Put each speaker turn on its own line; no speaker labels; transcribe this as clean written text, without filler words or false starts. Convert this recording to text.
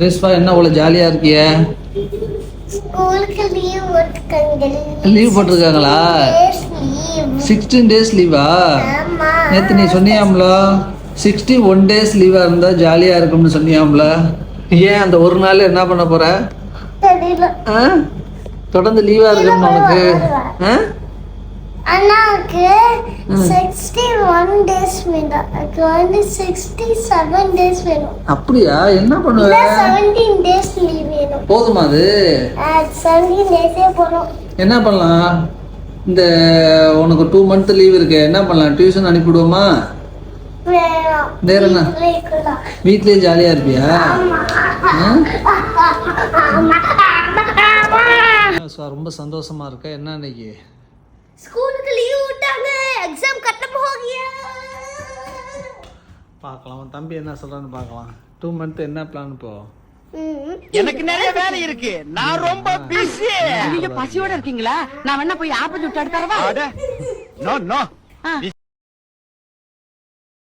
ரேஸ்வா என்ன அவ்வளோ ஜாலியாக இருக்கிய?
ஸ்கூலுக்கு லீவ் போட்டுருக்காங்க.
லீவ் போட்டிருக்காங்களா? 16 டேஸ் லீவா?
ஆமா.
நேற்று நீ சொன்னியாம்ல 61 டேஸ் லீவாக இருந்தால் ஜாலியாக இருக்கும்னு சொன்னியாம்ல. ஏன் அந்த ஒரு நாள் என்ன பண்ண போற?
தெரியல.
ஆ தொடர்ந்து லீவாக இருக்கணும் உனக்கு. ஆ
அண்ணாவுக்கு 61 டேஸ் வேணும். எனக்கு வந்து 67 டேஸ் வேணும்.
அப்படியா? என்ன
இல்ல
பண்ணுவ?
17 டேஸ் லீவ் வேணும்.
போதுமா அது?
17 டேஸே போதும்.
என்ன பண்ணலாம்? இந்த உனக்கு 2 மந்த் லீவ் இருக்கு, என்ன பண்ணலாம்? டியூஷன் அனுப்பிவிடுவோமா?
வேணும்.
வேற என்ன?
வீட்டிலே இருக்கலாம்.
வீட்லயே ஜாலியா இருப்பியா? ரொம்ப சந்தோஷமா இருக்க. என்ன இன்னைக்கு
ஸ்கூலுக்கு லீவ் விட்டாங்க. எக்ஸாம் கட்டப் போகியா?
பார்க்கலாம். உன் தம்பி என்ன சொல்றான்னு பார்க்கலாம். 2 மந்த் என்ன பிளான் இப்போ?
எனக்கு நிறைய வேலை இருக்கு, நான் ரொம்ப பிஸி.
நீங்க பசியோட இருக்கீங்களா? நான் வேணா போய் ஆப்பம் சுட்டு தரவா?
நோ